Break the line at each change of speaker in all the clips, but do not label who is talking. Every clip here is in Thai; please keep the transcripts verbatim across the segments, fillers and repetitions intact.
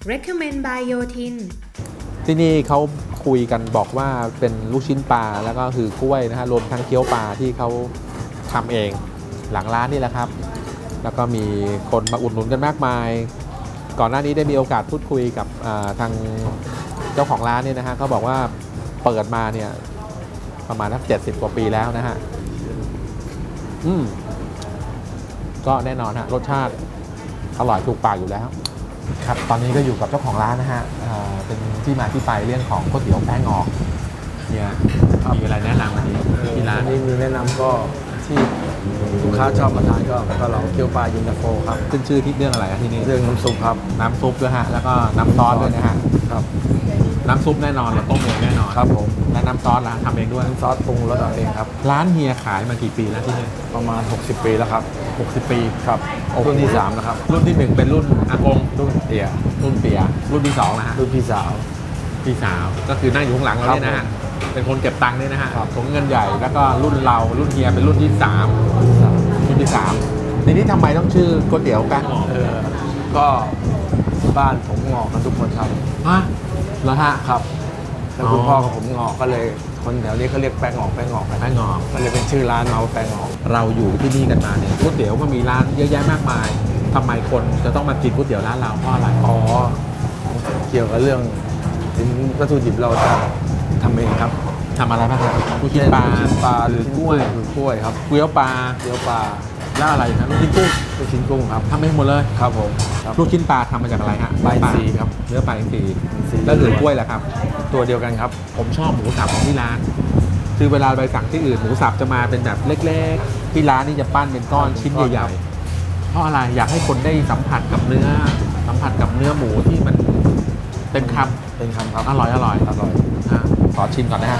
Recommend by โยธิน
ที่นี่เขาคุยกันบอกว่าเป็นลูกชิ้นปลาแล้วก็คือกล้วยนะฮะรวมทั้งเกี๊ยวปลาที่เขาทำเองหลังร้านนี่แหละครับแล้วก็มีคนมาอุดหนุนกันมากมายก่อนหน้านี้ได้มีโอกาสพูดคุยกับทางเจ้าของร้านเนี่ยนะฮะเขาบอกว่าเปิดมาเนี่ยประมาณสักเจ็ดสิบกว่าปีแล้วนะฮะอืมก็แน่นอนฮะรสชาติอร่อยถูกปากอยู่แล้วครับตอนนี้ก็อยู่กับเจ้าของร้านนะฮะเป็นที่มาที่ไปเรื่องของก๋วยเตี๋ยวแป้งงอกเนี่ยมีอะไรแนะนำที่ที่ร้าน
นี้มีแนะนำก็ที่ลูกค้าชอบมาทานก็ก็เราเกี๊ยวปลาเย็นตาโฟครับ
ขึ้นชื่อที่เรื่องอะไรที่นี่
เรื่องน้ำซุปครับ
น้ำซุปด้วยฮะแล้วก็น้ำซอสด้วยนะฮะ
ครับ
น้ำซุปแน่นอนเราต้มเองแน่นอน
ครับผม
และน้ำซอสล่ะทำเองด้วย
น้ำซอสปรุงรสเราเองครับ
ร้านเฮียขายมากี่ปีแล้วที่นี่
ประมาณหกสิบปีแล้วครับ
หกสิบปี
ครับรุ่นที่สามแล้วครับ
รุ่นที่หนึ่งเป็นรุ่นอากง
รุ่นเตี่ย
รุ่นเปียรุ่นที่สองนะฮะ
รุ่นพี่สาว
พี่สาวก็คือนั่งอยู่ข้างหลังเราเนี่ยนะฮะเป็นคนเก็บตังค์เนี่ยนะฮะถุงเงินใหญ่แล้วก็รุ่นเรารุ่นเฮียเป็นรุ่นที่สามรุ่นที่สามทีนี้ทำไมต้องชื่อก๋วยเตี๋ยวแป้งงอก
เออก็บ้านผมงอกกันทุกคนครับ
ฮะเหรอฮะ
ครับแล้วคุณพ่อกับผมงอกก็เลยคนแถวนี้เขาเรียกแป้งงอกแป้งงอก
แป้งงอก
มันเลยเป็นชื่อร้านเมาแป้งงอก
เราอยู่ที่นี่กันมาเนี่ยก๋วยเตี๋ยวก็มีร้านเยอะแยะมากมายทำไมคนจะต้องมากินก๋วยเตี๋ยวร้านเราเพราะอะไร
อ๋อเกี่ยวกับเรื่องสินวัตถุดิบเราจะทำเองครับ
ทำอะไรบ้างครับลูกชิ้นปลา
ลูกชิ้นปลา
หรือกล้วย
หรือกล้วยครับ
เกี๊ยวปลา
เกี๊ยวปลา
แล้วอะไรครับลูกชิ้นกุ้ง
ลูกชิ้นกุ้งครับ
ทำเองหมดเลย
ครับผม
ลูกชิ้นปลาทำมาจากอะไรฮะ
ปลาอินทรีครับ
เนื้อปลาอินทรีแล้วหรือกล้วยแหละครับ
ตัวเดียวกันครับ
ผมชอบหมูสับของที่ร้านคือเวลาไปสั่งที่อื่นหมูสับจะมาเป็นแบบเล็กๆที่ร้านนี่จะปั้นเป็นก้อนชิ้นใหญ่ๆเพราะอะไรอยากให้คนได้สัมผัสกับเนื้อสัมผัสกับเนื้อหมูที่มันเต็มคำ
เต็มคำครับ
อร่อยอร่อย
อร่อย
ขอชิมก่อนนะฮะ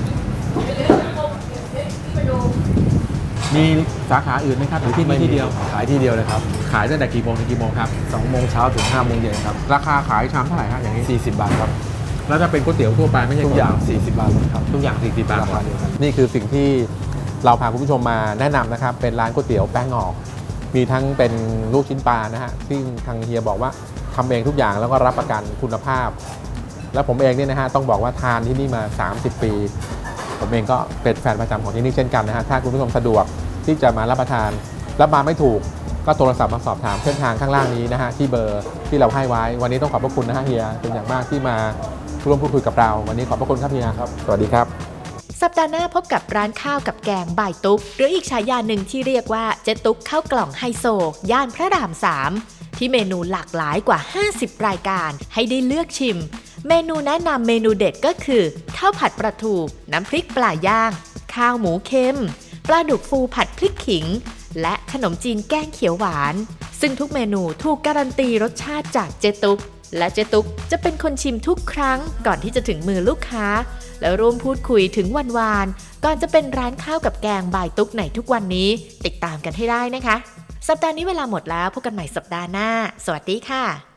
มีสาขาอื่นไหมครับหรือที่นี่ที่เดียว
ขายที่เดียวเลยครับ
ขายตั้งแต่กี่โมงถึงกี่โมงครับ
สองโมงเช้าถึงห้าโมงเย็นครับ
ราคาขายชามเท่าไหร่ฮะอย่างนี้
สี่สิบบาทครับ
แล้วถ้าเป็นก๋วยเตี๋ยวทั่วไปไม่ใช่
ทุกอย่างสี่สิบบาทครับ
ทุกอย่างสี่สิบบาทนี่คือสิ่งที่เราพาคุณผู้ชมมาแนะนำนะครับเป็นร้านก๋วยเตี๋ยวแป้งงอกมีทั้งเป็นลูกชิ้นปลานะฮะซึ่งทางเฮียบอกว่าทำเองทุกอย่างแล้วก็รับประกันคุณภาพแล้วผมเองเนี่ยนะฮะต้องบอกว่าทานที่นี่มาสามสิบปีผมเองก็เป็นแฟนประจำของที่นี่เช่นกันนะฮะถ้าคุณผู้ชมสะดวกที่จะมารับประทานรับมาไม่ถูกก็โทรศัพท์มาสอบถามเส้นทางข้างล่างนี้นะฮะที่เบอร์ที่เราให้ไว้วันนี้ต้องขอบพระคุณนะฮะเฮียเป็นอย่างมากที่มาร่วมพูดคุยกับเราวันนี้ขอบพระคุณครับเฮียครับสวัสดีครับ
สัปดาห์หน้าพบกับร้านข้าวกับแกงบ่ายตุ๊กหรืออีกฉายาหนึ่งที่เรียกว่าเจ๊ตุ๊กข้าวกล่องไฮโซย่านพระรามสามที่เมนูหลากหลายกว่าห้าสิบรายการให้ได้เลือกชิมเมนูแนะนำเมนูเด็ดก็คือข้าวผัดปลาทูน้ำพริกปลาย่างข้าวหมูเค็มปลาดุกฟูผัดพริกขิงและขนมจีนแกงเขียวหวานซึ่งทุกเมนูถูกการันตีรสชาติจากเจ๊ตุ๊กและเจ๊ตุ๊กจะเป็นคนชิมทุกครั้งก่อนที่จะถึงมือลูกค้าแล้วร่วมพูดคุยถึงวันวานก่อนจะเป็นร้านข้าวกับแกงบ่ายตุ๊กในทุกวันนี้ติดตามกันให้ได้นะคะสัปดาห์นี้เวลาหมดแล้วพบกันใหม่สัปดาห์หน้าสวัสดีค่ะ